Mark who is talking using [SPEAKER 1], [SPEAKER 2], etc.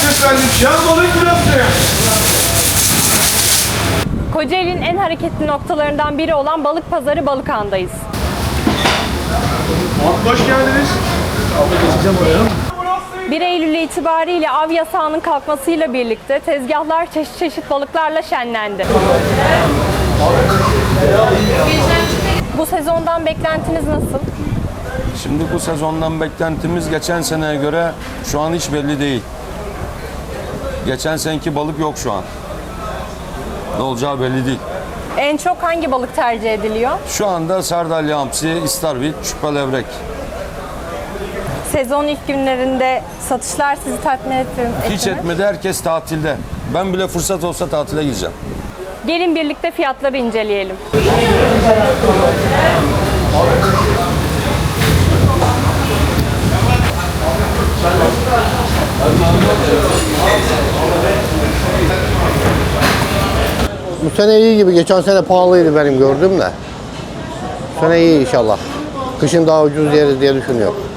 [SPEAKER 1] efendim, şan balık burası.
[SPEAKER 2] Kocaeli'nin en hareketli noktalarından biri olan Balık Pazarı Balıkhan'dayız.
[SPEAKER 1] Hoş geldiniz.
[SPEAKER 2] 1 Eylül itibariyle av yasağının kalkmasıyla birlikte tezgahlar çeşit çeşit balıklarla şenlendi. Bu sezondan beklentiniz nasıl?
[SPEAKER 3] Şimdi bu sezondan beklentimiz geçen seneye göre şu an hiç belli değil. Geçen seneki balık yok şu an. Ne olacağı belli değil.
[SPEAKER 2] En çok hangi balık tercih ediliyor?
[SPEAKER 3] Şu anda sardalya, hamsi, istavrit, çupa levrek.
[SPEAKER 2] Sezon ilk günlerinde satışlar sizi tatmin etti mi?
[SPEAKER 3] Hiç etmedi, herkes tatilde. Ben bile fırsat olsa tatile gideceğim.
[SPEAKER 2] Gelin birlikte fiyatları inceleyelim.
[SPEAKER 4] Bu sene iyi gibi. Geçen sene pahalıydı benim gördüğüm de. Bu sene iyi inşallah. Kışın daha ucuz yeriz diye düşünüyorum.